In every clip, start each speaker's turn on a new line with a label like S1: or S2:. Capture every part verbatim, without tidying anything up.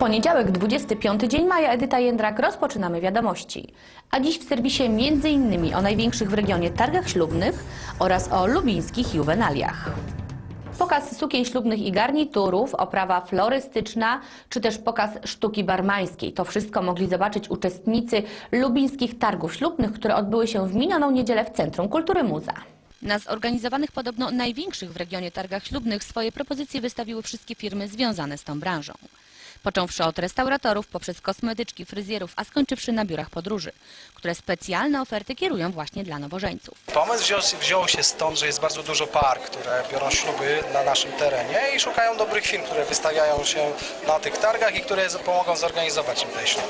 S1: poniedziałek, dwudziesty piąty dzień maja, Edyta Jędrak, rozpoczynamy wiadomości. A dziś w serwisie między innymi o największych w regionie targach ślubnych oraz o lubińskich juwenaliach. Pokaz sukien ślubnych i garniturów, oprawa florystyczna, czy też pokaz sztuki barmańskiej. To wszystko mogli zobaczyć uczestnicy lubińskich targów ślubnych, które odbyły się w minioną niedzielę w Centrum Kultury Muza. Na zorganizowanych podobno największych w regionie targach ślubnych swoje propozycje wystawiły wszystkie firmy związane z tą branżą. Począwszy od restauratorów, poprzez kosmetyczki, fryzjerów, a skończywszy na biurach podróży, które specjalne oferty kierują właśnie dla nowożeńców.
S2: Pomysł wziął, wziął się stąd, że jest bardzo dużo par, które biorą śluby na naszym terenie i szukają dobrych firm, które wystawiają się na tych targach i które pomogą zorganizować im ten ślub.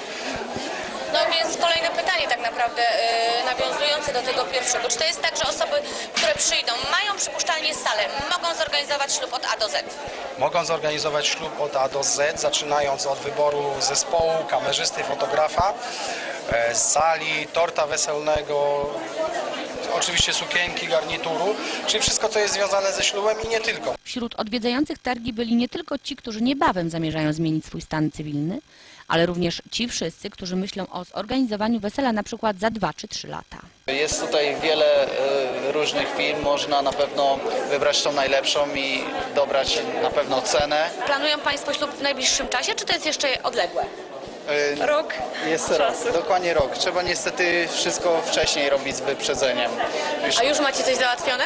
S3: No więc kolejne pytanie tak naprawdę yy, nawiązujące do tego pierwszego. Czy to jest tak, że osoby, które przyjdą, mają przypuszczalnie salę, mogą zorganizować ślub od A do Z?
S2: Mogą zorganizować ślub od A do Z, zaczynając od wyboru zespołu, kamerzysty, fotografa, e, sali, torta weselnego, oczywiście sukienki, garnituru, czyli wszystko, co jest związane ze ślubem i nie tylko.
S1: Wśród odwiedzających targi byli nie tylko ci, którzy niebawem zamierzają zmienić swój stan cywilny, ale również ci wszyscy, którzy myślą o zorganizowaniu wesela na przykład za dwa czy trzy lata.
S4: Jest tutaj wiele y, różnych firm, można na pewno wybrać tą najlepszą i dobrać na pewno cenę.
S3: Planują Państwo ślub w najbliższym czasie, czy to jest jeszcze odległe?
S4: Y,
S5: Rok
S4: Jest rok, dokładnie rok. Trzeba niestety wszystko wcześniej robić z wyprzedzeniem. Już
S3: A już macie coś załatwione?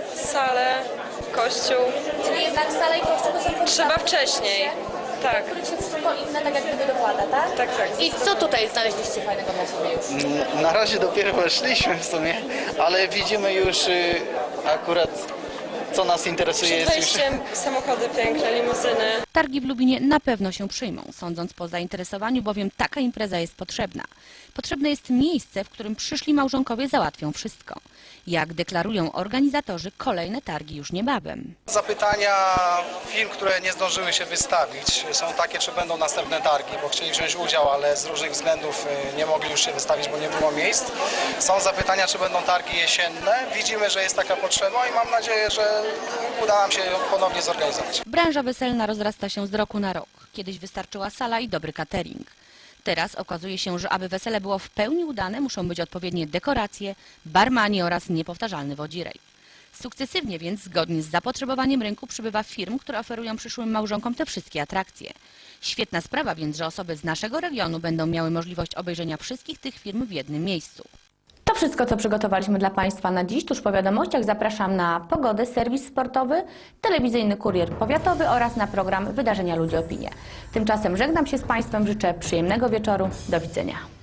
S5: salę, kościół.
S3: Czyli jednak sala i kościół to są
S5: Trzeba wcześniej. Tak,
S3: których się wszystko inne tak jak gdyby dokłada, tak?
S5: tak, tak.
S3: I co tutaj znaleźliście fajnego dla siebie już?
S4: N- na razie dopiero weszliśmy w sumie, ale widzimy już y, akurat co nas interesuje.
S5: Przed
S4: Jest już...
S5: wejściem samochody piękne, limuzyny.
S1: Targi w Lubinie na pewno się przyjmą, sądząc po zainteresowaniu, bowiem taka impreza jest potrzebna. Potrzebne jest miejsce, w którym przyszli małżonkowie załatwią wszystko. Jak deklarują organizatorzy, kolejne targi już niebawem.
S2: Zapytania firm, które nie zdążyły się wystawić, są takie, czy będą następne targi, bo chcieli wziąć udział, ale z różnych względów nie mogli już się wystawić, bo nie było miejsc. Są zapytania, czy będą targi jesienne. Widzimy, że jest taka potrzeba i mam nadzieję, że uda nam się ją ponownie zorganizować.
S1: Branża weselna rozrasta się z roku na rok. Kiedyś wystarczyła sala i dobry catering. Teraz okazuje się, że aby wesele było w pełni udane, muszą być odpowiednie dekoracje, barmani oraz niepowtarzalny wodzirej. Sukcesywnie więc, zgodnie z zapotrzebowaniem rynku, przybywa firm, które oferują przyszłym małżonkom te wszystkie atrakcje. Świetna sprawa więc, że osoby z naszego regionu będą miały możliwość obejrzenia wszystkich tych firm w jednym miejscu. To wszystko, co przygotowaliśmy dla Państwa na dziś. Tuż po wiadomościach zapraszam na pogodę, serwis sportowy, telewizyjny kurier powiatowy oraz na program Wydarzenia Ludzie Opinie. Tymczasem żegnam się z Państwem, życzę przyjemnego wieczoru. Do widzenia.